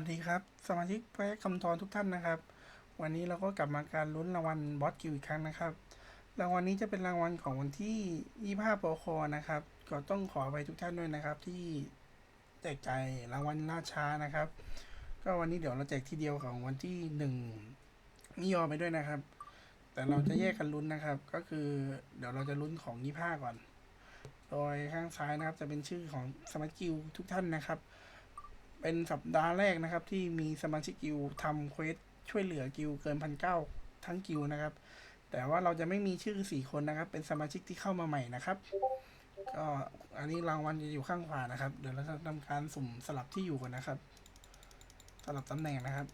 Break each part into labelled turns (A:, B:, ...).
A: สดีครับสมาชิกแพ็กคำทอนทุกท่านนะครับวันนี้เราก็กลับมาการลุ้นรางวัลบอสกิลอีกครั้งนะครับรางวัลนี้จะเป็นรางวัลของวันที่25ปคนะครับก็ต้องขอไปทุกท่านด้วยนะครับที่แจกจ่ายรางวัลล่าช้านะครับก็วันนี้เดี๋ยวเราแจกทีเดียวของวันที่1นิยอไปด้วยนะครับแต่เราจะแยกกันลุ้นนะครับก็คือเดี๋ยวเราจะลุ้นของ25ก่อนโดยข้างซ้ายนะครับจะเป็นชื่อของสมาชิกกิลทุกท่านนะครับเป็นสัปดาห์แรกนะครับที่มีสมาชิกกิลทำเควสช่วยเหลือกิลเกิน1,900ทั้งกิลนะครับแต่ว่าเราจะไม่มีชื่อ4คนนะครับเป็นสมาชิกที่เข้ามาใหม่นะครับก็อันนี้รางวัลจะอยู่ข้างขวานะครับเดี๋ยวเราจะทำการสุ่มสลับที่อยู่ก่อนนะครับสลับตำแหน่งนะครับ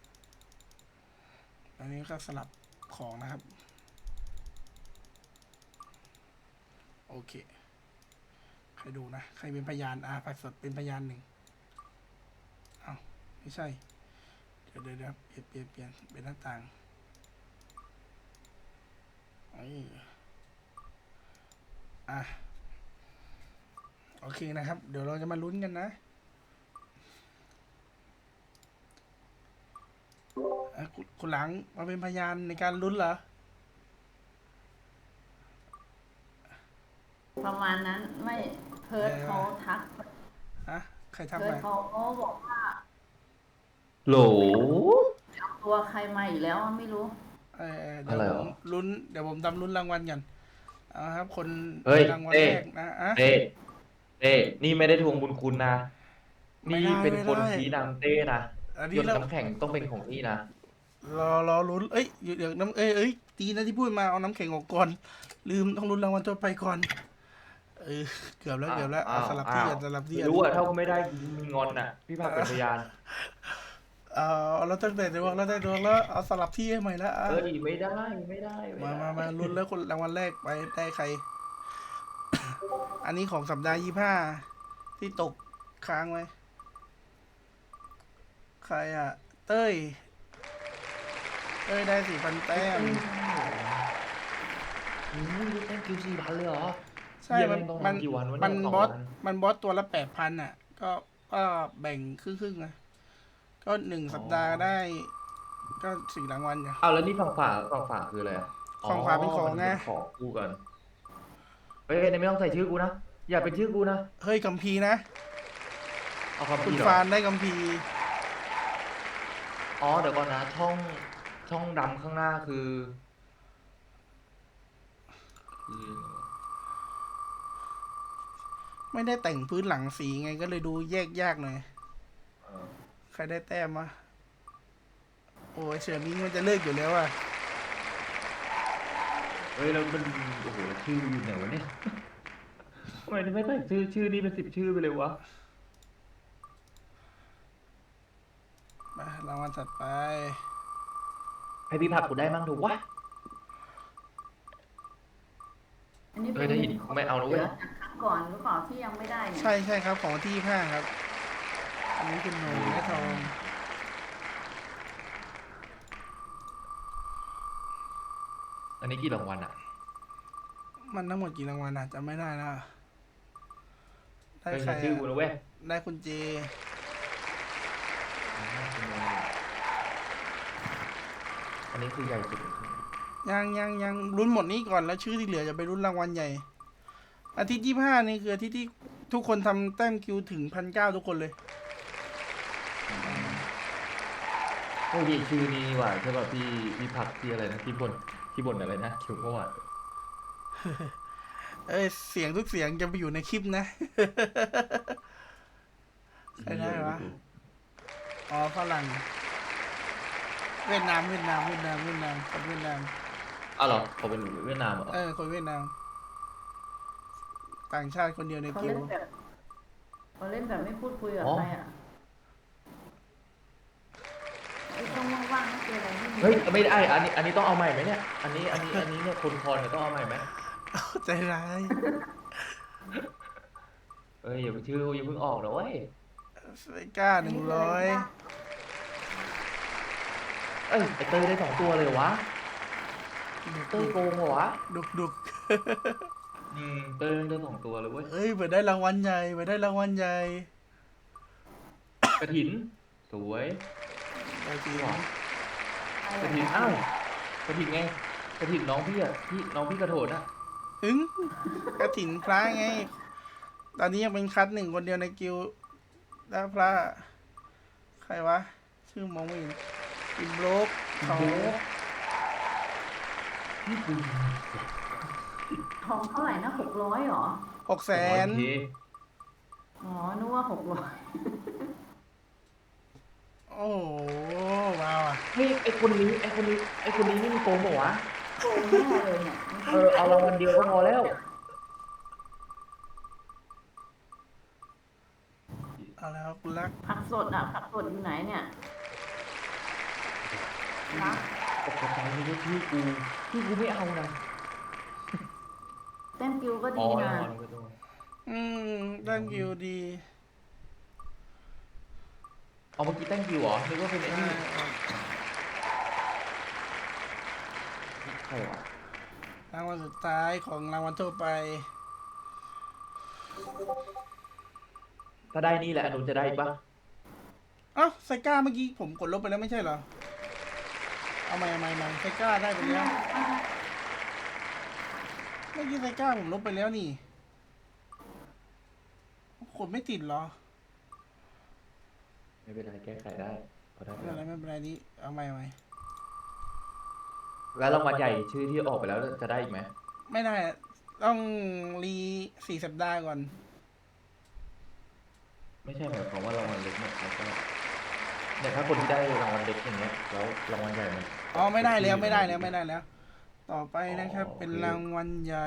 A: อันนี้ก็สลับของนะครับโอเคใครดูนะใครเป็นพยานผักสดเป็นพยานหนึ่งอ้าวไม่ใช่เดี๋ยวเปลี่ยนเป็นหน้าต่างโอเคนะครับเดี๋ยวเราจะมาลุ้นกันนะคุณหลังมาเป็นพยานในการลุ้นเหรอ
B: ประมาณนั้นไม่เพิร์ดเขาทัก
A: ฮะใครทำ
B: เพิ
A: ไป
B: ร์ดเขาบอกว่า
C: โหล
B: ตัวใครมาอีกแล้วไม่รู้
A: เดี๋ยว
C: อะไร
A: ผม
C: หรอ
A: ลุ้นเดี๋ยวผมทำลุ้นรางวัลกันเอาครับคน
C: เฮ้ย
A: รางวัล
C: เต้
A: แรกนะ
C: เต้เต้นี่ไม่ได้ทวงบุญคุณนะ
A: ไม่
C: นี่
A: ได้
C: เป็น
A: ไม่ได้
C: คนชี้นำเต้นะ
A: อัน
C: หยด
A: นี้เรา
C: น้ำแข็งต้องเป็นของนี่นะ
A: รอลุ้นเอ้ยเดี๋ยวน้ำตีนะที่พูดมาเอาน้ำแข็งออกก่อนลืมต้องลุ้นรางวัลตัวไปก่อนเกือบแล้วเอาสลับที่กันสลับที่
C: ไม่
A: กัน
C: รู้อะถ้าไม่ได้มีงอนน่ะพี่ภาคเป็นพยาน
A: เราตั้งแต่ดวงแล้วได้ดวงแล้วเอาสลับที่ให้ใหม่แล้ว
C: ไม่ได้ไม่ได้
A: มาลุ้นแล้วคนรางวัลแรกไปได้ใคร อันนี้ของสัปดาห์25ที่ตกค้างไว้ใครเต้ยได้4,000 แต้ม
C: แต้มคิว4,000เลยเหรอ
A: ใช่มัน
C: กี่วันวะ
A: มั
C: เนี่ย
A: นบอสตัวละ8,000ก็แบ่งครึ่งนะก็1 สัปดาห์ได้ก็4 รางวัลอย่าง
C: แล้วนี่ฝั่งฝาคืออะไรอ่ะ
A: ของขวาเป็นของไง
C: ของกูกันเฮ้ยไม่ต้องใส่ชื่อกูนะอย่าเป็นชื่อกูนะ
A: เฮ้ยกัมพีนะ
C: เอาคำ
A: คุณ
C: พี่เหรอ
A: ฟานได้กัมพี
C: เดี๋ยวก่อนนะช่องดำข้างหน้าคือ
A: ไม่ได้แต่งพื้นหลังสีไงก็เลยดูแยกยากหน่อยใครได้แต้มวะโอ้ยเฉื่อยมิ้งมันจะเลิกอยู่แล้ว
C: เฮ้ยแล้วมันโอ้โหชื่ออยู่ไหนวะเนี่ยทำไมไม่ใส่ชื่อนี่เป็น10 ชื่อไปเลยวะ
A: มารางวัลถัดไป
C: ให้พี่ผักกูได้มั้งถูกวะ
B: อันนี้
C: ได้ยินไม่เอาแล้วเว้ย
B: จากครั้งก่อนหรือเปล่าที่ยังไม่ได้เนี่ย
A: ใช่ครับของวันที่25ครับอันนี้คุณหนูและทอง
C: อันนี้กี่รางวัลอ่ะ
A: มันทั้งหมดกี่รางวัลจำไม่ได้นะได้
C: เป็น
A: ใคร
C: ชื่อกูนะเว้ย
A: ได้คุณเจ
C: อันนี้คือใหญ่สุด
A: ยังลุ้นหมดนี้ก่อนแล้วชื่อที่เหลือจะไปลุ้นรางวัลใหญ่อาทิตย์25นี่คืออาทิตย์ที่ทุกคนทำแต้มคิวถึง1,900ทุกคนเลย
C: โอ้ยชื่อนี้ว่ะใช่ป่ะพี่ผักที่อะไรนะที่บนอะไรนะคิวเมื่อวาน
A: เสียงทุกเสียงจะไปอยู่ในคลิปนะใครได้วะฝรั่งเวียดนามคนเวียดนาม
C: เหรอเขาเป็นเวียดนามเหรอ
A: คนเวียดนามต่างชาติคนเดียวใน
B: เขา
A: กิว
B: เล่นแบบไม่พูดคุยกับใครไอ้ช่องว่างๆไม่เจออะไรที่
C: เฮ้ยไม่ได้อันนี้ต้องเอาใหม่ไหมเนี่ยอันนี้เนี่ยคนคอนเนี่ยต้องเอาใหม่ไหม
A: ใจร้าย
C: อย่าเพิ่งออกนะเว้ย
A: ไอ้ก้า100
C: ไอ้เต้ยได้2 ตัวเลยวะเต้ยโกงเหรอวะ
A: ดุก
C: เต้ยได้2 ตัวเลยเว้ย
A: เปิดได้รางวัลใหญ่
C: กระถินสวย
A: กระถิน
C: กระถินอ้าวกระถินไงกระถินน้องพี่อ่ะน้องพี่กระโถนอ่ะ
A: ถึงกระถินพระไง ตอนนี้ยังเป็นคัดหนึ่งคนเดียวในกิลด์แล้วพระใครวะ ชื่อมองไม่เห็นอิมโบรกเขา
C: พี่กู
B: ทองเท่าไหร่นะ600หรอ
A: 600,000
C: โอเค
B: อ๋อนึกว่า600
A: โอ้โหว้าวอ่ะ
C: เฮ้ยไอคนนี้นี่มันโกงเปล่าวะ
B: โกงแน่เลยเนี่ยมันต้อง
C: เอารางวัลเดียวก็พอแล้ว
A: เอาแล้วคุณรัก
B: ผักสดผักสดอยู่ไหนเนี่ยนะ
C: ตกใจเลยว่าพี่กูไม่เอานะ
B: แต้มกิวก็
C: อ๋อ
B: ดี
C: ราง
B: นะ
C: วัลไม่ต้อง
A: ด้านกิลด์ดี
C: เอาเมื่อกี้ตั้งคิวเหรอนึกว่าเป็นไอ้นี่ใช่เหรอ
A: รางวัลสุดท้ายของรางวัลทั่วไป
C: ถ้าได้นี่แหละอนุจะได้ปะ
A: เอ้าไซก้าเมื่อกี้ผมกดลบไปแล้วไม่ใช่เหรอ เอาใหม่ไซก้าได้ไปแล้ว เมื่อกี้ไซก้าผมลบไปแล้วนี่กดไม่ติดเหรอ
C: ไม่เป็นไรแก้ไขได้พอได้
A: ไม่เป็นไรนี่เอาใหม่
C: แล้วรางวัลใหญ่ชื่อที่ออกไปแล้วจะได้อีกไหม
A: ไม่ได้อะต้องรี4 สัปดาห์ก่อน
C: ไม่ใช่หมายความว่ารางวัลเล็กเนี่ยแล้วก็เนี่ยถ้าคนที่ได้รางวัลเล็กอย่างเงี้ยแล้วรางวัลใหญ่มัน
A: อ๋อไม่ได้แล้ว ต่อไปนะครับ
C: อ๋อ
A: เป็น
C: โอเค
A: รางวัลใหญ่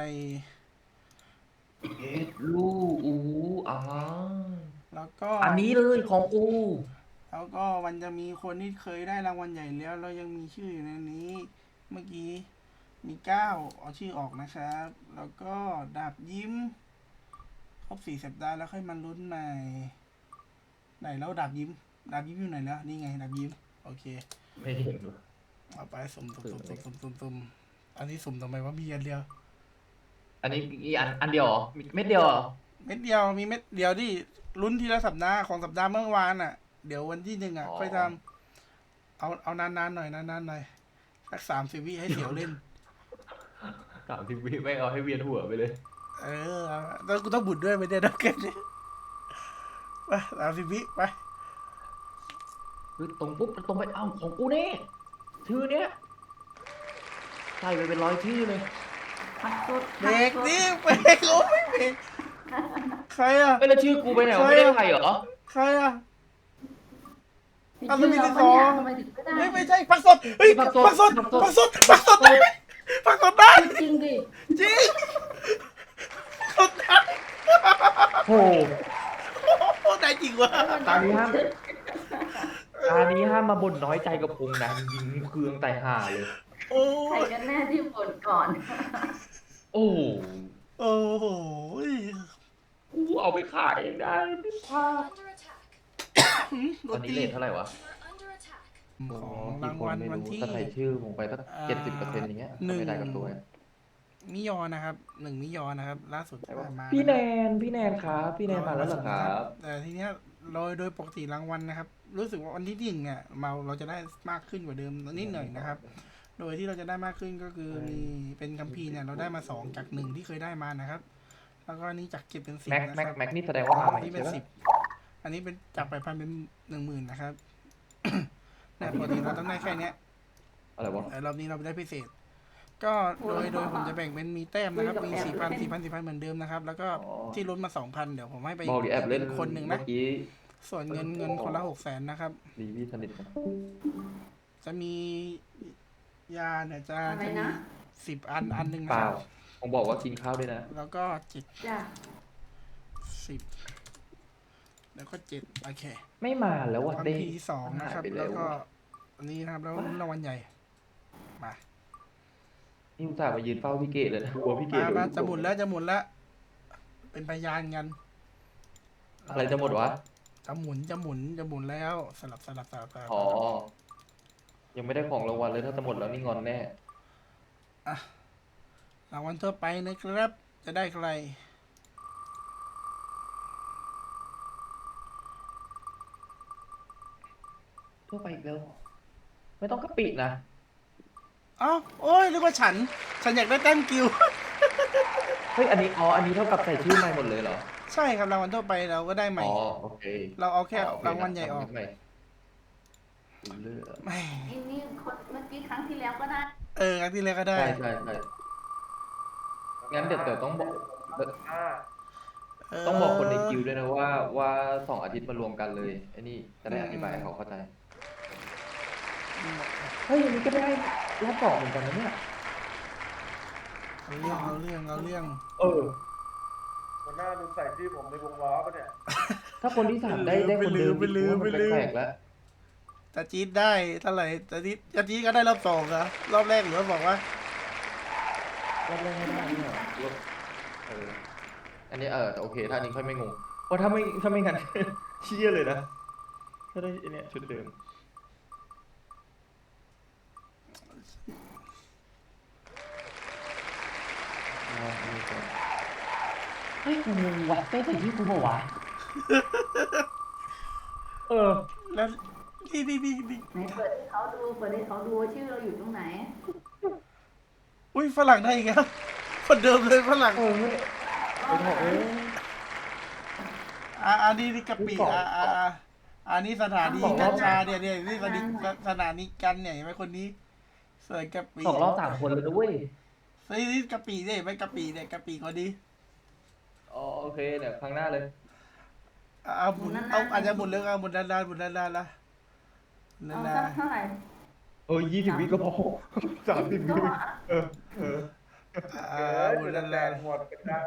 C: ลูอู้
A: แล้วก็
C: อันนี้เลยของกู
A: แล้วก็มันจะมีคนที่เคยได้รางวัลใหญ่แล้วเรายังมีชื่ออยู่ในนี้ เมื่อกี้มี9เอาชื่อออกนะครับ แล้วก็ดาบยิ้มครบ4 สัปดาห์แล้วค่อยมาลุ้นใหม่ไหนแล้วดาบยิ้มอยู่ไหนแล้วนี่ไงดาบยิ้มโอเค
C: ไม่เห็นว่ะ
A: เอาไปสุ่มอันนี้สุ่มทำไมว่ามีอันเดียว
C: อันนี้อีอันเดียวเหรอมีเม็ดเดียวเหรอ
A: เม็ดเดียวมีเม็ดเดียวที่ลุ้นทีละสัปดาห์ของสัปดาห์เมื่อวานอ่ะ เดี๋ยววันที่1ค่อยทำเอานานๆหน่อยสัก30 วิให้เสียวเล่น
C: 30 วิไม่เอาให้เวียนหัวไปเลย
A: แล้วกูต้องบุดด้วยไปเดี๋ยวนักเก็ตเนี่ยไป30 วิไป
C: คือตรงปุ๊บตรงไปเอ้าของกูนี่ชื่อเนี้ยใส่ไปเป็น100ชื่อเลย
B: ผักสด
A: เบรกนี่เบรกโอ้ไม่เบรกใครอ่ะ
C: ไม่แล้วชื่อกูไปไหนวะไม่ได้ใครเหรอ
A: ใครอ่ะ
B: ผิด
A: อ่ะ
B: ชื่อ
A: แล้วมี
B: เรา
A: ที่
B: ปะเนี่ย
A: สอง
B: ทำไมถึงไม่ได้
A: ไม่ใช่ผักสดเฮ้ยผักสดได้ผักสดได้
B: จริงดิ
A: จริงสดได้
C: โอ้
A: โอ้ได้จริงวะ
C: ตานี้ห้ามมาบ่นน้อยใจกับพงนะยิงเครื่องแต่ห่าเลย
A: โอ้
B: ใครกันแน่ที่บ่นก่อน
C: โอ้
A: โอ้โห
C: กูเอาไปขายเองได้
D: Under attack.
A: ร
C: ตอ
A: ถ
C: นนี้
A: ตี
C: เลทเท่าไหร่วะ
D: You are under attack.
A: ของรางวัลวันที่
C: ถ้าใส่ชื่อผมไปสัก70%อย่างเงี้ยไม่ได้กับตัว
A: มิยอนะครับ1 มิยอนะครับ ล่าสุดมา
C: พี่แนนครับพี่แนนมาแล้วเหรอครับ
A: แต่ทีเนี้ยโดยปกติรางวัลนะครับ รู้สึกว่าวันที่1เนี่ยเราจะได้มากขึ้นกว่าเดิมนิดหน่อยนะครับ โดยที่เราจะได้มากขึ้นก็คือมีเป็นคัมภีร์เนี่ยเราได้มา2จาก1ที่เคยได้มานะครับ แล้วก็นี่จากเก็บเป็น10นะครับ
C: แม็กนี่แสดงว่ามาใหม่
A: นี่เป็น
C: ใช่ปะ
A: 10อันนี้เป็นจาก8,000เป็น10,000นะครับ แต่ปกติเราต้องได้แค่เนี้ย
C: อะไรวะ
A: แต่รอบนี้เราได้พิเศษ ก็โดยผมจะแบ่งเป็นมีแต้มนะครับ มี 4,000 เหมือนเดิมนะครับ แล้วก็ที่ลดมา 2,000 เดี๋ยวผมให้ไป
C: บอกดิแอบเล่น
A: คนหนึ่ง
C: เมื่
A: นะ
C: อกี้
A: ส่วนเงินคนละ600,000นะครับ
C: ดีพี่สนิทกัน
A: จะมียาเนี่ยจะ
B: อะไร
A: มี
B: นะ
A: 10 อันหนึ่ง
C: เป
A: นะค
C: ล่า
A: รับ
C: ผมบอกว่ากินข้าวด้วยนะ
A: แล้วก็
B: จ้ะ
A: 10แล้วก็7โอเค
C: ไม่มาแล้วว่ะ
A: คัม
C: เด้
A: ภีร์2นะครับ
C: หายไป
A: แล้วก็
C: ว่ะ
A: อันนี้นะครับแล้วรางวัลใหญ่มา
C: นี่อุตส่าห์มายืนเฝ้าพี่เกดเลยนะกลัวพี่เกด
A: มาจะหมุนแล้วเป็นพยานกัน
C: อะไรจะหมดวะ
A: จะหมุนแล้วสลับ
C: อ๋อ ยังไม่ได้ของรางวัลเลยถ้าจะหมดแล้วนี่งอนแน่
A: รางวัลทั่วไปนะครับ จะได้ใคร
C: ทั่วไปอีกแล้วไม่ต้องกะปินะ
A: เอ้าโอ้ยเรียกว่าฉันอยากได้แต้มกิลด์
C: เฮ้ยอันนี้อันนี้เท่ากับใส่ชื่อใหม่หมดเลยเหรอ
A: ใช่ครับรางวัลทั่วไปเราก็ได้ใหม่
C: อ๋อโอเค
A: เราเอาแค่
C: โอเค
A: รางวัลใหญ่ออก
C: ทำใหม่ดูเลือด
A: ไม่
B: ไอ้นี่คนเมื่อกี้ครั้งที่แล้วก็ได้
A: ครั้งที่แล้วก็ได้
C: ใช่ใช่ใช่งั้นเดี๋ยวต้องบอก ต้องบอกคนในกิลด์ด้วยนะว่า2 อาทิตย์มารวมกันเลยไอ้นี่จะได้อธิบายให้เขาเข้าใจเฮ้ยอันนี้ก็ได้รอบ2เหมือนกันนะเนี่ย
A: เอาเรื่อง
C: เออ
E: หัวหน้าดูใส่ชื่อผมในวงล้อปะเนี่ย
C: ถ้าคนที่3ได้คนเดิม
A: ไปลืม
C: มันแปลกๆแล้ว
A: แต่จี๊ดได้เท่าไหร่แต่จี๊ดก็ได้รอบสองอะรอบแรกหรือว่าบอกว่า
C: รอบแรกไม่ได้เนี่ยเอออันนี้แต่โอเคถ้าอันนี้ค่อยไม่งงเพราะถ้าไม่งั้น เชี่ยเลยนะถ้าได้อันเนี้ยชุดเดิมเฮ้ยงงว่ะเต้ใส่ที่กูบอกว่ะเออ
A: แล้วนี่
B: ไหนเปิดให้เขาดูว่าชื่อเราอยู่ตรงไหน
A: อุ้ยฝรั่งได้อีกแล้วคนเดิมเลยฝรั่ง
C: เออไปถอดเอ้ย
A: อันนี้กะปิอันนี้สถานีกัญชาเนี่ยนี่สถานีกันเนี่ยเห็นไหมคนนี้เสิร์ฟกะปิ
C: 2 รอบ 3 คนเลยนะเว้ย
A: นี่กะปิเนี่ยเห็นไหมกะปิเนี่ยกะปิคนนี้
C: อ๋อโอเคเดี๋ยวครั้งหน้าเลย
A: เอาหมุนเอาอาจจะหมุนเรื่องเอาหมุนด้านละ
B: เอา
A: นาน
B: สักเท่าไหร่
C: 20 วิก็พอ 30 วิเออ
A: หมุนด้าน
E: แดงหมดเป็นดาว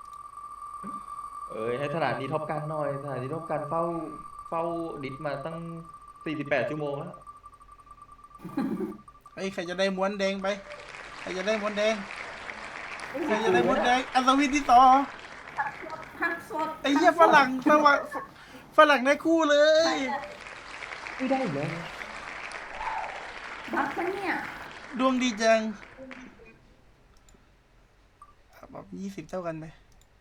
C: ให้สถานีท็อปกันหน่อยสถานีท็อปกันเฝ้าดิสมาตั้ง48 ชั่วโมงแล้ว
A: เฮ้ยใครจะได้ม้วนแดงไปใครจะได้ม้วนแดงอัศวินที่ต่อ
B: หักสด
A: ไอ้เหี้ยฝรั่งได้คู่เลย
C: ไม่ได้อีกแล้ว
B: บักปะเนี่ย
A: ดวงดีจังแบบ20 เท่ากันไหม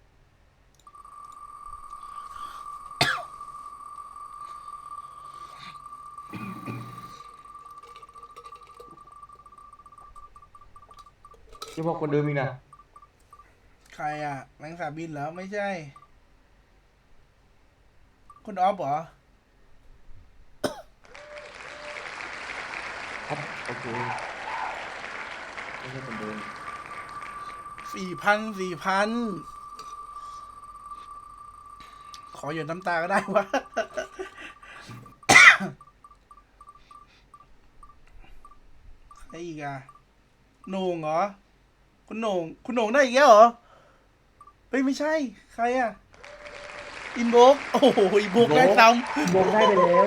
C: จะบอกคนเดิมอีกนะ
A: ใครอ่ะแมงสาบบินเหรอไม่ใช่คุณออฟเหรอ
C: ครับโอเคไม่ใช่คนเดิม
A: 4,000 ขอหยดน้ำตาก็ได้วะ ใครอีกอ่ะโหน่งเหรอคุณโหน่งได้อีกแล้วเหรอเฮ้ยไม่ใช่ใครอ่ะอินโบกโอ้โหอินโบกได้ซ้ำ
C: โบงได้ไปแล้ว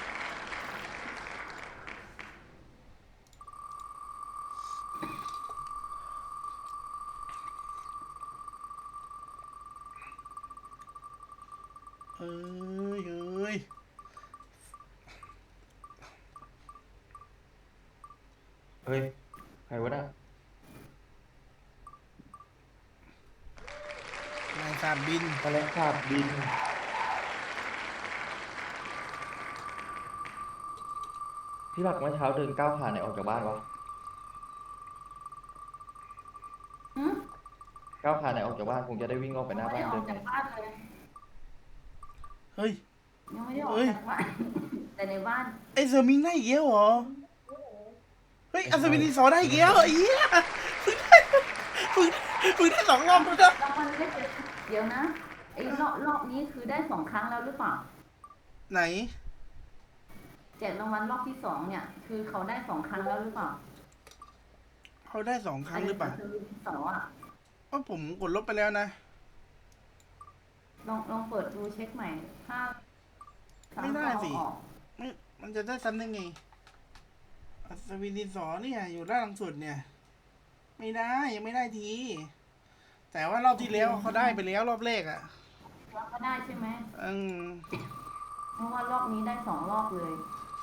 A: เฮ้ย
C: เฮ้ยใครวะน่ะ
A: นายสาบบิน
C: แมลงสาบบินพี่บักเมื่อเช้าเดินก้าวขาไหนออกจากบ้านวะ
B: หืม
C: ก้าวขาไหนออกจากบ้านคงจะได้วิ่งออกไปหน้า
B: ไม่
C: บ้าน
B: ได้อ
C: เดิ
B: อก
C: น
B: จากบ้านเลย
A: เฮ้ย
B: ยังไม่ได้ออก
A: เฮ้ย
B: จากบ้าน แต่ในบ้าน
A: ไอ้เซอร์มิงได้อีกแล้วเหรอเฮ้ยอัศวินที่สองได้อีกแล้วไอ้เหี้ยพึ่งได้2 รอบแล้วนะ
B: รางวัลไม่เจ็ดเดี๋ยวนะไอ้รอบนี้คือได้2 ครั้งแล้วหรือเปล่า
A: ไหน
B: แจกรางวัลรอบที่ 2เนี่ย คือเขาได้2 ครั้งแล้วหรือเปล่า
A: เขาได้2 ครั้งหรือเปล่า
B: ไคือที่2อ่ะ
A: เพราะผมกดลบไปแล้วนะ
B: ลองเปิดดูเช็คใหม่ ถ้า
A: ไม่ได้สิ
B: ออก
A: ไม่มันจะได้ซ้ำได้ไงอัศวินดินสอเนี่ยอยู่ด้านหลังสุดเนี่ย ไม่ได้ยังไม่ได้ที แต่ว่ารอบที่แล้วเขาได้ไปแล้วรอบแรกอ่ะ
B: แล้วก็ได้ใช่ไหม
A: อืม
B: เพราะว่ารอบนี้ได้2 รอบเลย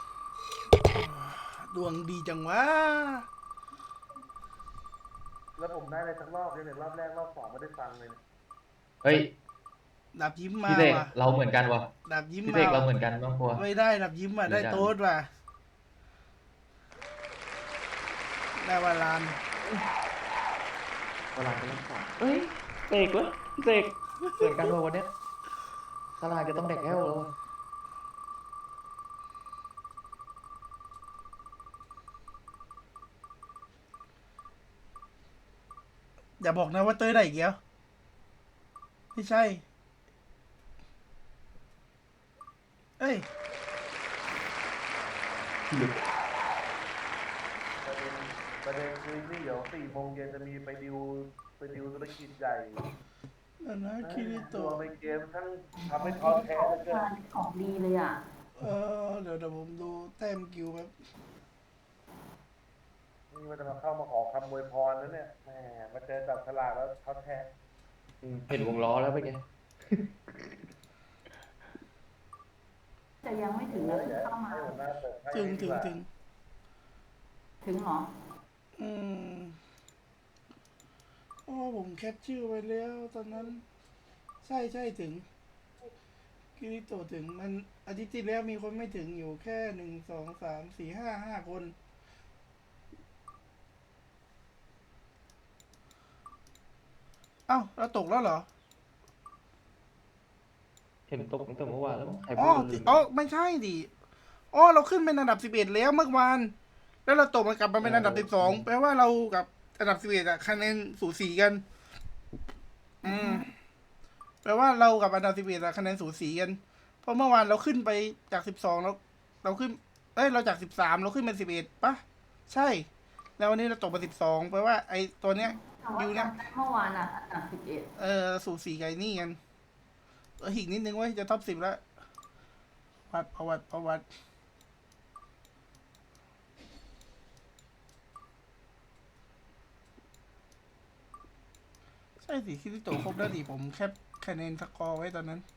A: ดวงดีจังวะ
E: แล้วผมได้เลยทั้งรอบเลยเนี่ยรอบแรกรอบสองไม่ได้ฟังเลยเนี่ย
C: เฮ้ย
A: ดาบยิ้มมา
C: พี่เสก
A: ว่ะ
C: เราเหมือนกันวะ
A: ดาบยิ้ม
C: พี่
A: มา
C: เสกเราเหมือนกันบ้างพอ
A: ไม่ได้ดาบยิ้มอ่ะได้โต๊ดว่ะได้วาลาน
C: เวลาจะเล่นสองเอ้ยเสกเว้ยเสกเหมือนกันเลยวันเนี้ยตลาดจะต้องแดกแก้วแล้วอะ
A: อย่าบอกนะว่าเต้ยได้อีกแล้วไม่ใช่ เอ้ย
E: ประเด็นคือนี่เดี๋ยว4 โมงเย็นจะมีไปดิวธุรกิจใหญ่
A: นั่นนะคิริ
E: ตั
A: โตะ
E: วในเกมทั้งทำให้ท้อแท้เหลือเกิน
B: ของดีเลยอ่ะ
A: เดี๋ยวผมดูแต้มกิวแบบ
E: นี่มันจะมาเข้ามาขอคำอวยพรนะเนี่ยแหมมาเจอจับฉลากแล้วท้อแท้
C: เห็นวงล้อแล้วไปไง
B: แต่ยังไม่ถึงนะเพิ่งเข้ามา
E: ให้หัวหน้าเปิดให้
A: ถึง
E: ดีกว่า
B: ถึงเหรอ
A: อืมผมแคปชื่อไว้แล้วตอนนั้น ใช่ถึงคิริโตะถึงมันอาทิตย์ที่แล้วมีคนไม่ถึงอยู่แค่1 2 3 4 5 5 คนเอ้าเราตกแล้วเหรอ
C: เห็นตกตั้งแต่เมื่อวานแล้วมั้งใคร
A: อ๋
C: พู
A: อ
C: ดลืม
A: ไม่ใช่ดิเราขึ้นเป็นอันดับ11แล้วเมื่อวาน แล้วเราตกมากลับมาเป็นอันดับ12แปลว่าเรากับอันดับ11อะคะแนนสูสีกัน แปลว่าเรากับอันดับ11อะคะแนนสูสีกัน เพราะเมื่อวานเราขึ้นไปจาก12เราขึ้น เราจาก13เราขึ้นเป็น11ปะใช่ แล้ววันนี้เราตกมา12แปลว่าไอ้ตัวเนี้ย
B: แต่ว่า
A: อยู่เนี่ย
B: จำได้เมื่อวานอ่ะอันดับ11
A: สูสีไก่นี่กันอีกนิดนึงเว้ยจะท็อป10แล้วประวัติใช่สิคิริโตะครบแล้วดิผมแคปคะแนนสกอร์ไว้ตอนนั้น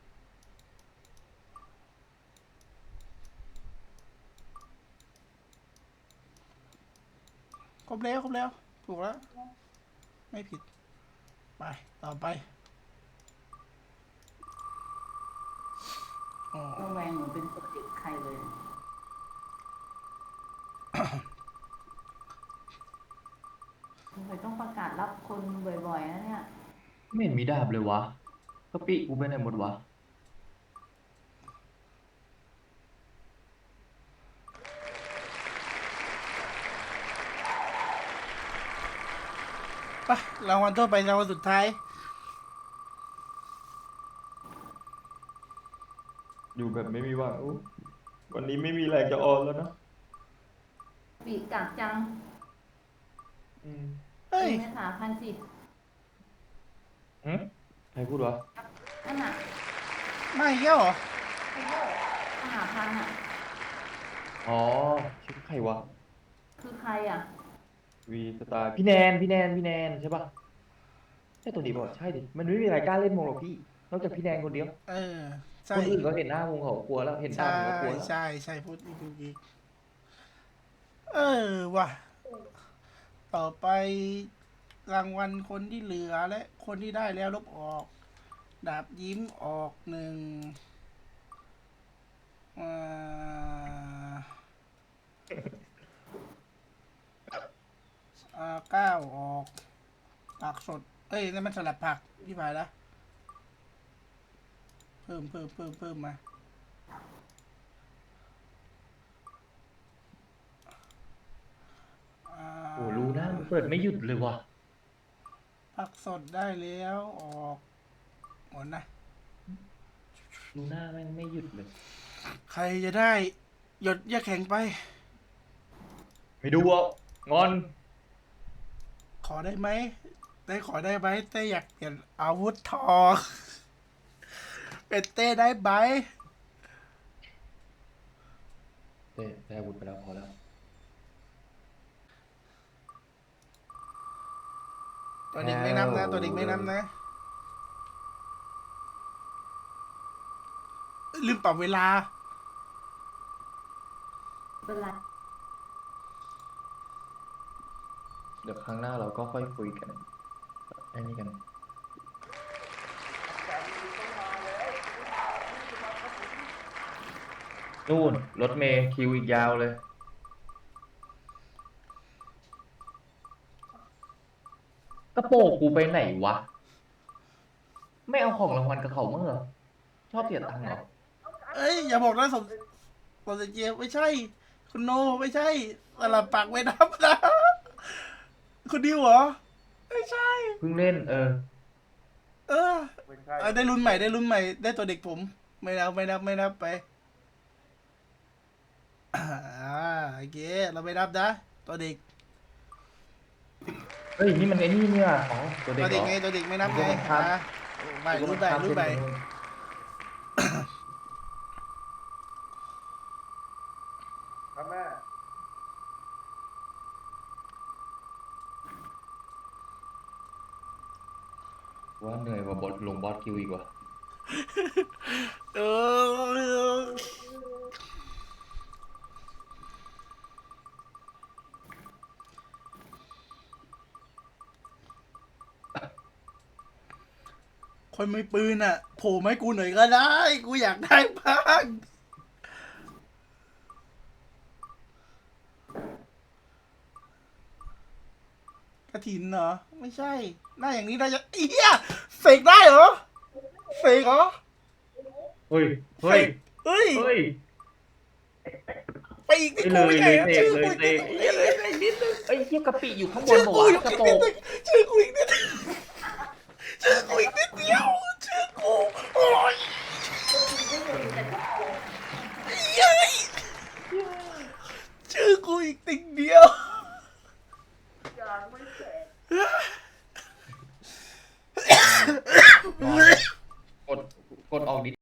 A: ครบแล้ว ถูกแล้ว ไม่ผิด ไป ต่อไป
B: ระแวงเหมือนเป็นตัวเด็กใครเลย สงสัยต้องประกาศรับคนบ่อยๆนะเนี่ย
C: ไม่เห็นมีดาบเลยวะกะปิกูไปไหนหมดวะ
A: ไปรางวัลทั่วไปรางวัลสุดท้าย
C: อยู่แบบไม่มีหวังอุ๊ยวันนี้ไม่มีแรงจะออนแล้วนะ
B: ปีกากจัง
C: อืม
A: เฮ้ย
B: ไม่ถามพันสิ
C: หืมใครพูดวะ
B: นั่นน่ะ
A: ไม่เกี้ยวเหรอ
B: มหาพันอ่ะ
C: อ๋อชื่อใครวะ
B: คือใครอ่ะ
C: วีสตาร์พี่แนนใช่ปะใช่ตัวนี้ป่ะใช่ดิมันไม่มีใครกล้าเล่นวงหรอกพี่นอกจากพี่แนนคนเดียว
A: ใช่
C: คนอื่นเขาเห็นหน้าวงเขากลัวแล้วเห็นหน้า
A: ใช่
C: วงก็กลัวแล้ว
A: ใช่พูดอีกว่ะ ต่อไปรางวัลคนที่เหลือและคนที่ได้แล้วลบออก ดาบยิ้มออก9 ออกผักสดนั่นมันสลัดผักที่ผ่านแล้วเพิ่มมา
C: โอ้รู้นะมันเปิดไม่หยุดเลยวะ
A: ผักสดได้แล้วออกหมดนะ
C: รู้หน้าแม่งไม่หยุดเลย
A: ใครจะได้หยดยาแข็งไป
C: ไม่ดูอ่ะงอน
A: ขอได้ไหมขอได้ไหมเต้อยากเปลี่ยนอาวุธทองเป็นเต้ได้ไหม
C: ได้อาวุธไปแล้วพอแล้ว
A: ตัวเด็กไม่นับนะ ตัวเด็กไม่นับนะ ลืมปรับเวลา
B: เป็นไร
C: เดี๋ยวครั้งหน้าเราก็ค่อยคุยกันไอ้นี่กัน นู่นรถเมย์คิวอีกยาวเลยระโปงกูไปไหนวะ ไม่เอาของรางวัลกับเขามั้งเหรอ ชอบเสียตังค์เหรอ
A: เอ้ยอย่าบอกนะสมเจไม่ใช่ คุณโนไม่ใช่สลับปากไม่นับนะ คุณดิวเหรอ ไม่ใช่
C: เพิ่งเล่น เออ
A: เออ
E: ไม่ใช่
A: ได้รุ่นใหม่ได้รุ่นใหม่ได้ตัวเด็กผม ไม่นับไป อ่าโอเคเราไม่นับนะ ตัวเด็ก
C: เฮ้ย นี่มันไอ้นี่เนี่ยอ๋อตัวเด็ก
A: ตัว
C: เหร
A: เด็ก
C: อ
A: ไงตัวเด็กไม่นับไง
C: ตัวมันข้าม
A: ใบรุ่นใบ
E: ครับแม่
C: ว่าเหนื่อยกว่าบอสลงบอสคิวอีกว่ะ
A: เออคนไม่ปืนอ่ะโผล่มาให้กูหน่อยก็ได้ กูอยากได้บ้างกระถินเหรอ ไม่ใช่ หน้าอย่างนี้ได้จะเอี้ยเสกได้เหรอเสกเหรอ
C: เฮ้ย
A: เส
C: เฮ้ย
A: กเฮ้ย
C: เฮ้ย
A: ไปอีกที่
C: เล
A: กู
C: ย
A: ไม่
C: เล
A: ใช่
C: ย
A: อะ
C: เตะ
A: ชื่อ
C: เล
A: กู
C: ย
A: อีก
C: เตะ
A: นิดนึง
C: ไอ้เหี้ยกะปิอยู่ข้างบน
A: ชื่อ
C: บอก
A: กู
C: ว่า
A: อยู่
C: กระ
A: อีก
C: โป
A: นิ
C: ง
A: ดนึงชื่อกูอีกนิดนึงชื่อกูอีกนิดเดียวชื่อกูโอ้ยเย้ยชื่อกูอีกติ่งเดียว
C: กดออกดิ